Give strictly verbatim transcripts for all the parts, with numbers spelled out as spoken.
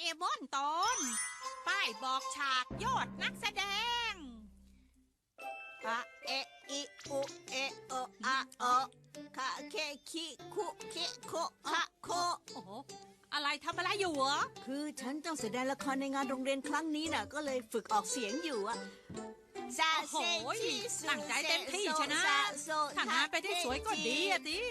มอนตอนป้ายบอกฉากยอดนักแสดงอะเออิอุเอโออะโอคะเคคิคุเคโคคะโคโอ้โหอะไรทำอะไรอยู่เหรอคือฉันต้องแสดงละครในงานโรงเรียนครั้งนี้น่ะก็เลยฝึกออกเสียงอยู่อะซาโอ้เซโหชิสุตั้งใจเต็มที่ชนะซาโซถ้างานไปได้สวยก็ดีอะดิ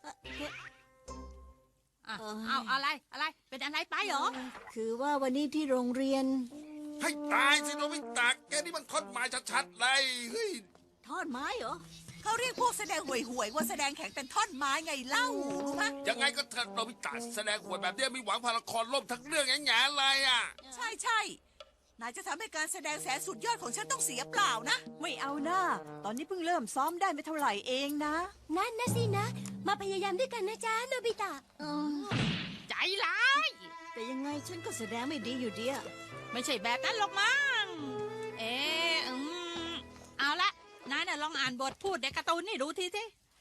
อ่ะเอ่อเอาอะไรอะไรเป็นอะไรไปเหรอคือว่าวันนี้ที่โรงเรียนให้ตายสิโนบิตะแกนี่มันทอดไม้ชัดๆเลยเฮ้ยทอดไม้เหรอเขาเรียกพวกแสดงห่วยๆว่าแสดงแข็งเป็นท่อนไม้ไงเล่ารู้ไหมยังไงก็เถอะโนบิตะแสดงหวยแบบเนี้ยมีหวังพาละครล่มทั้งเรื่องแง่ๆเลยอ่ะใช่ใช่นายจะทำให้การแสดงแสนสุดยอดของฉันต้องเสียเปล่านะไม่เอาหน้า ตอนนี้เพิ่งเริ่มซ้อมได้ไม่เท่าไหร่เองนะนั่นนะสินะ มาพยายามด้วยกันนะจ๊ะโนบิตะเออใจร้ายแต่ยังไงฉันก็แสดงไม่ดีอยู่ดีอะไม่ใช่แบบนั้นหรอกมั้งเอออืมเอาละนายน่ะลองอ่านบทพูดในการ์ตูนนี่ดูทีสิ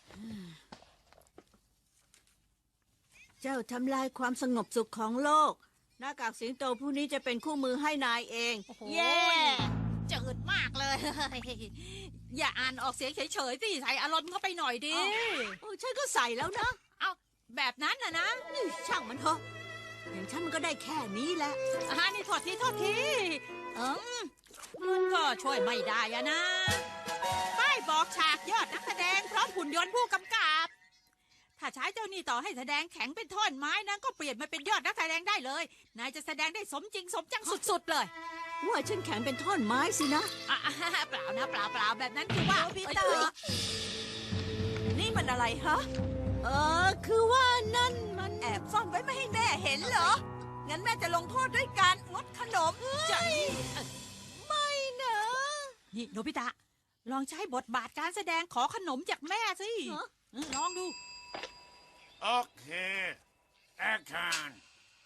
เจ้าทำลายความสงบสุขของโลก หน้ากากสิงโตผู้นี้จะเป็นคู่มือให้นายเองโอ้โหเย้จืดมากเลย อย่าอ่านออกเสียงเฉยๆสิใส่อารมณ์เข้าไปหน่อยดิโอ้ฉันก็ใส่แล้วนะเอาแบบนั้นนะนะนี่ช่างมันเถอะอย่างฉันมันก็ได้แค่นี้แหละอ่านี่โทษทีโทษทีเอมมันก็ช่วยไม่ได้อะนะ ป้ายบอกฉากยอดนักแสดงพร้อมหุ่นยนต์ผู้กำกับ ถ้าใช้เจ้านี่ต่อให้แสดงแข็งเป็นท่อนไม้นั้นก็เปลี่ยนมาเป็นยอดนักแสดงได้เลย นายจะแสดงได้สมจริงสมจังสุดๆเลยว่าฉันแข็งเป็นท่อนไม้สินะอ่ะเปล่านะเปล่าเปล่าแบบนั้นคือว่าโนบิเอ้ยตะเอ้ยนี่มันอะไรฮะเออคือว่านั่นมันแอบซ่อนไว้ไม่ให้แม่เห็นเหรอ งั้นแม่จะลงโทษด้วยการงดขนมใจไม่เนอะนี่โนบิตะ ลองใช้บทบาทการแสดงขอขนมจากแม่สิฮะเออลองดูโอเคแอคชั่น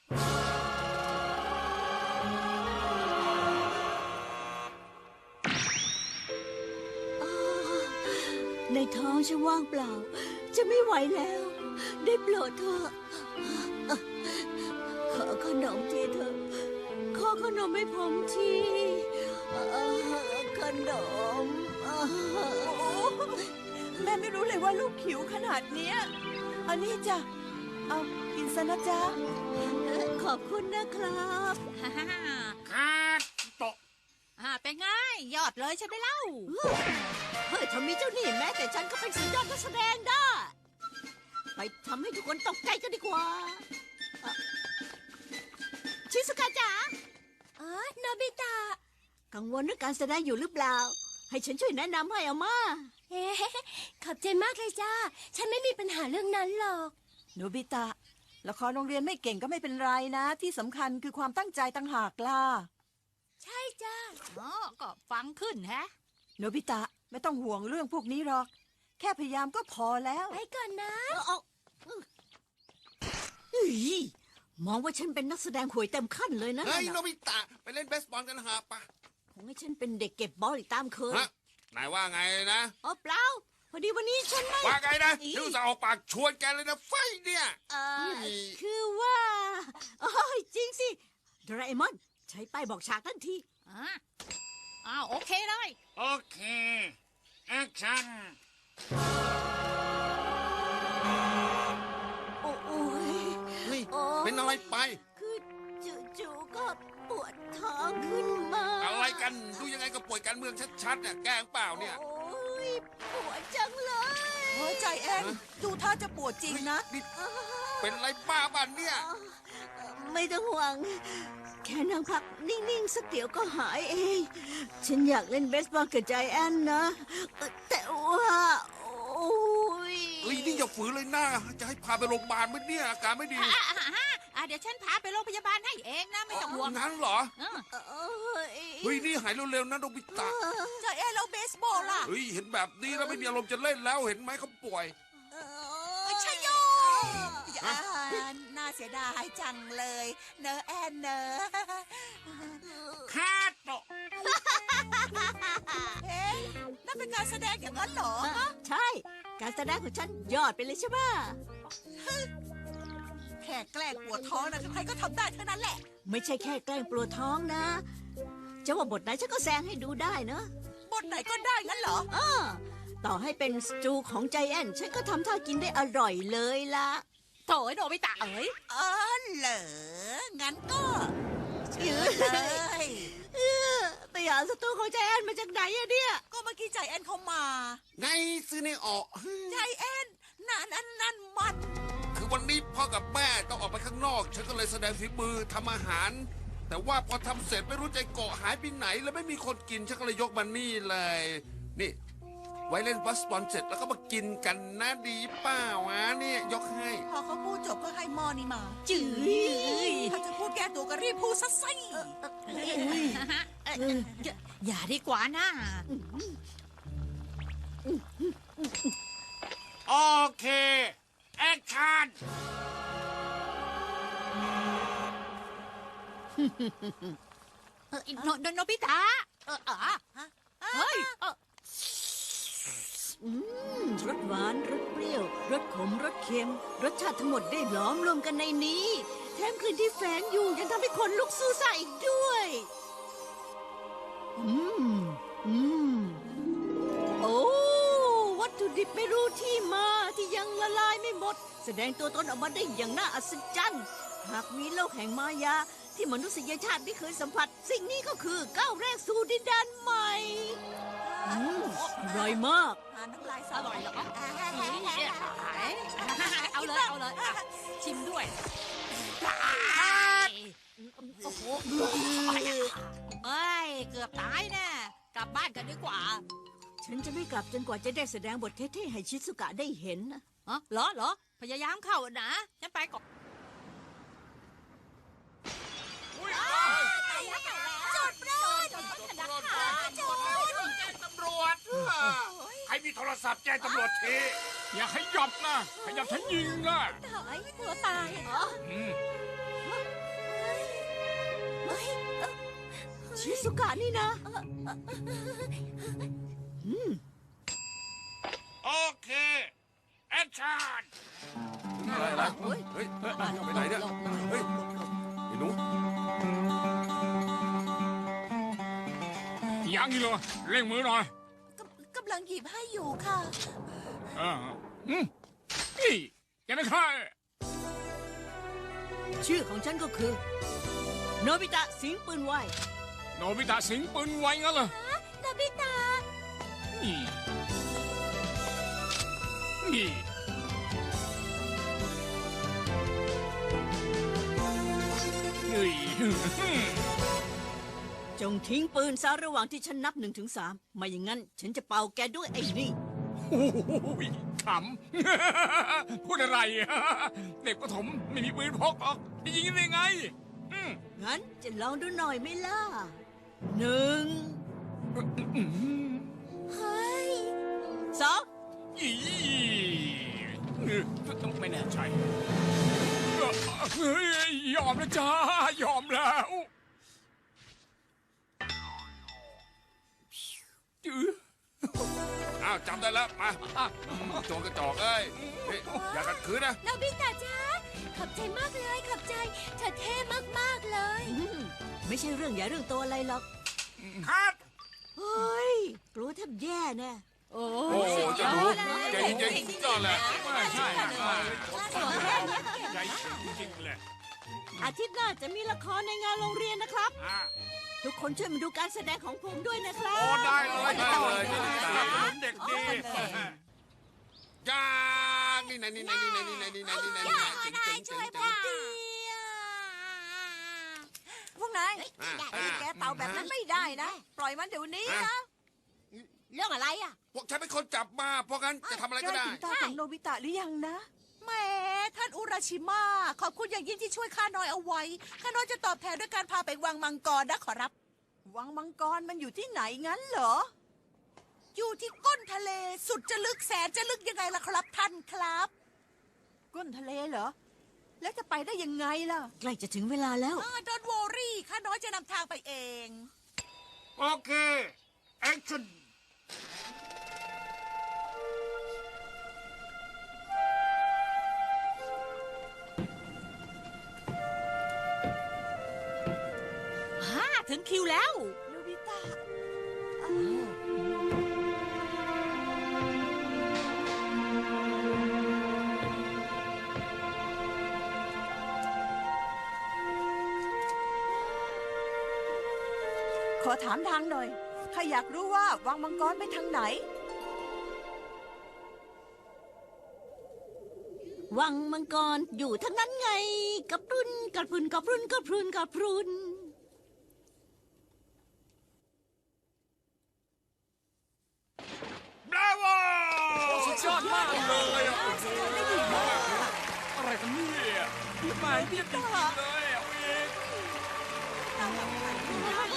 อ้าวในท้องฉันว่างเปล่า จะไม่ไหวแล้ว ได้โปรดเถอะขอขนมทีเถอะขอขนมให้ผมทีเอ่อขนมเอ่อแม่ไม่รู้เลยว่าลูกหิวขนาดเนี้ยอันนี้จ้ะ เอากินซะนะจ๊ะขอบคุณนะครับฮ่าฮ่าฮ่าคาดโตะอ่าเป็นไงยอดเลยใช่ไหมเล่าเฮ้ยถ้ามีเจ้าหนี้แม้แต่ฉันก็เป็นสุดยอดนักแสดงได้ ไปทำให้ทุกคนตกใจกันดีกว่าเอ่อชิสุกะจ๋าอ๋อโนบิตะกังวลเรื่องการแสดงอยู่หรือเปล่า ให้ฉันช่วยแนะนำให้เอามาเฮ้ขอบใจมากเลยจ้า ฉันไม่มีปัญหาเรื่องนั้นหรอกโนบิตะ ละครโรงเรียนไม่เก่งก็ไม่เป็นไรนะ ที่สำคัญคือความตั้งใจต่างหากล่ะใช่จ้าอ๋อ ก็ฟังขึ้นแฮะโนบิตะไม่ต้องห่วงเรื่องพวกนี้หรอก แค่พยายามก็พอแล้วไปก่อนนะเอาเอาเฮ้ยมองว่าฉันเป็นนักแสดงหวยเต็มขั้นเลยนะเฮ้ยนั่นโนน่ะบิตะไปเล่นเบสบอลกันหาปะคงให้ฉันเป็นเด็กเก็บบอลอีกตามเคยฮะนายว่าไงนะอ๋อเปล่า พอดีวันนี้ฉันไม่ว่าไงนะอีที่อุตส่าห์ออกปากชวนแกเลยนะไฟเนี่ยเอ่อนี่คือว่าโอ้ยจริงสิโดราเอมอน ใช้ป้ายบอกฉากทันทีอ่าอ้าวโอเคเลยโอเคแอคชั่นโอ้โอ้ยเฮ้ยโอ้เป็นอะไรไปคือจู่ๆก็ปวดท้องขึ้นมาอะไรกันดูยังไงก็ป่วยการเมืองชัดๆเนี่ยแกล้งเปล่าเนี่ยโอ้ยปวดจังเลยเฮ้ยใจแอนดูท่าจะปวดจริงนะนี่เป็นอะไรบ้าบ้านเนี่ยไม่ต้องห่วง แค่นั่งพักนิ่ง ๆ สักเดี๋ยวก็หายเอง ฉันอยากเล่นเบสบอลกับใจแอนนะเอ่อแต่ว่า โอ้ยเฮ้ยนี่อย่าฝืนเลยนะจะให้พาไปโรงพยาบาลไหมเนี่ยอาการไม่ดีอ่าอ่าอ่าอ่าเดี๋ยวฉันพาไปโรงพยาบาลให้เองนะ ไม่ต้องห่วงงั้นเหรอเออเอ้ยเฮ้ยนี่หายเร็วๆนะโนบิตะใจแอนแล้วเบสบอลล่ะเฮ้ยเห็นแบบนี้แล้วไม่มีอารมณ์จะเล่นแล้วเห็นไหมเขาป่วยเอ้เอ้ยยชัยโยอ่าน่าเสียดายจังเลย เนอะแอนเนอะคาดโตะเอ๊ะนั่นเป็นการแสดงอย่างนั้นเหรอใช่ การแสดงของฉันยอดไปเลยใช่ไหมแค่แกล้งปวดท้องนะใครก็ทำได้เท่านั้นแหละไม่ใช่แค่แกล้งปวดท้องนะจะว่าบทไหนฉันก็แซงให้ดูได้เนอะบทไหนก็ได้งั้นเหรอเออต่อให้เป็นสตูของใจแอนฉันก็ทำท่ากินได้อร่อยเลยล่ะโถยโนบิตะเอ๋ยเออเหรอ งั้นก็เชิญเลยเออไปหาสตูของใจแอนมาจากไหนอะเนี่ยก็เมื่อกี้ใจแอนเขามาไงซื้อในออกใจแอนนั่นนั่นนั่นมันคือวันนี้พ่อกับแม่ต้องออกไปข้างนอก ฉันก็เลยแสดงฝีมือทำอาหาร แต่ว่าพอทำเสร็จไม่รู้ใจเกาะหายไปไหน แล้วไม่มีคนกิน ฉันก็เลยยกมันนี่เลย นี่ ไว้เล่นบาสบอลเสร็จแล้วก็มากินกันนะดีเปล่าวะเนี่ยยกให้พอเขาพูดจบก็ให้หมอนี่มาจื้ยถ้าจะพูดแก้ตัวก็รีบพูดซะสิอย่าอย่าดีกว่านะโอเค แอคชั่นเออโนโนโนบิตะเอออ่ะเฮ้ยเอออืมรสหวานรสเปรี้ยวรสขมรสเค็ม รสชาติทั้งหมดได้หลอมรวมกันในนี้แถมกลิ่นที่แฝงอยู่ยังทำให้คนลุกสู้ซ่าอีกด้วย อืม อืม โอ้ วัตถุดิบไม่รู้ที่มาที่ยังละลายไม่หมด แสดงตัวตนออกมาได้อย่างน่าอัศจรรย์หากมีโลกแห่งมายา ที่มนุษยชาติไม่เคยสัมผัส สิ่งนี้ก็คือก้าวแรกสู่ดินแดนใหม่ อืมอร่อยมากหาน้ำลายอร่อยเหรอเอาเลยเอาเลยอ่ะชิมด้วยโอ้โหเอ้ยเกือบตายแน่กลับบ้านกันดีกว่าฉันจะไม่กลับจนกว่าจะได้แสดงบทเท่ๆให้ชิซุกะได้เห็นนะฮะเหรอเหรอพยายามเข้านะฉันไปก่อนจุดร้อนจุดร้อนจุดร้อนแจ้งตำรวจใครมีโทรศัพท์แจ้งตำรวจทีอย่าขยับนะขยับฉันยิงนะหายตัวตายเหรออืมชิซุกะนี่นะ อืมโอเค แอคชั่นอะไรเฮ้ยเฮ้ยไปไหนเนี่ย เฮ้ยไอ้หนูยังอีกเหรอเร่งมือหน่อยกำลังหยิบให้อยู่ค่ะเอออืมนี่แกไม่ค่ายชื่อของฉันก็คือ โนบิตะสิงห์ปืนไวโนบิตะสิงปืนไวงั้นเหรอโนบิตะนี่นี่เฮ้ยจงทิ้งปืนซะระหว่างที่ฉันนับหนึ่งถึงสามไม่อย่างนั้น ฉันจะเป่าแกด้วยไอ้นี่โอ้โหขำ พูดอะไรเด็กประถมไม่มีปืนพกหรอกจะยิงได้ไงอืมงั้นจะลองดูหน่อยไหมล่ะหนึ่งเฮ้ยสองอีไม่แน่ใจเฮ้ยยอมแล้วจ้ายอมแล้วจื้ออ้าวจำได้แล้ว มาโจรกระจอกเอ้ยเฮ้ยอย่าขัดขืนนะโนบิตะจ้าขอบใจมากเลยขอบใจเธอเท่มากๆเลยอืมไม่ใช่เรื่องใหญ่เรื่องโตอะไรหรอกคัดเฮ้ยกลัวแทบแย่แน่โอ้โอ้โหจะรู้เก่งจริงๆก็แหละไม่ใช่ใจจริงๆเลยอาทิตย์หน้าจะมีละครในงานโรงเรียนนะครับอ่ะทุกคนช่วยมาดูการแสดงของผมด้วยนะครัโอ้บได้เลยได้เลยจะติดตามสนับสนุนเด็กดีจ้านี่ไหนนี่ไหนนี่ไหนนี่ไหนนี่ไหนนี่ไหนนี่ไหนเจ๋งเจ๋งเจ๋งเจ๋งพวกนายแกเป่าแบบนั้นไม่ได้นะ ปล่อยมันเดี๋ยวนี้นะเรื่องอะไรอ่ะพวกฉันเป็นคนจับมา เพราะงั้นจะทำอะไรก็ได้ถึงตาของโนบิตะหรือยังนะแหมท่านอุราชิมาขอบคุณอย่างยิ่งที่ช่วยข้าน้อยเอาไว้ ข้าน้อยจะตอบแทนด้วยการพาไปวังมังกรนะขอรับวังมังกรมันอยู่ที่ไหนงั้นเหรออยู่ที่ก้นทะเลสุดจะลึกแสนจะลึกยังไงล่ะครับท่านครับก้นทะเลเหรอ แล้วจะไปได้ยังไงล่ะใกล้จะถึงเวลาแล้วดอนวอรี่ข้าน้อยจะนำทางไปเองโอเค แอคชั่นอถึงคิวแล้วโนบิตะ ขอถามทางหน่อยข้าอยากรู้ว่าวังมังกรไปทางไหนวังมังกรอยู่ทั้งนั้นไงกับรุนกับรุนกับรุนกับรุนกับรุนบราโวสุดยอดมากเลยอะอะไรกันเนี่ยพี่หมายเยี่ยมจริงๆเลยอะเอง